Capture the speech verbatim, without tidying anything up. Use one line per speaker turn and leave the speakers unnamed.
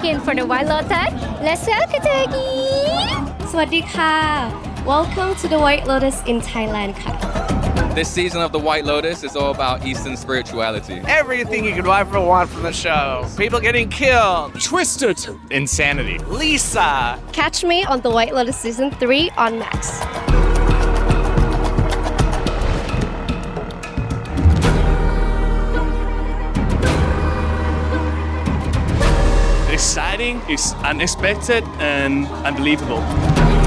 in for the White Lotus. Let's welcome Turkey.
สวัสดีค่ะ Welcome to the White Lotus in Thailand ค่ะ
This season of The White Lotus is all about Eastern spirituality.
Everything you could ever want from the show. People getting killed.
Twisted insanity.
Lisa.
Catch me on the White Lotus season three on Max.
Exciting, it's unexpected and unbelievable.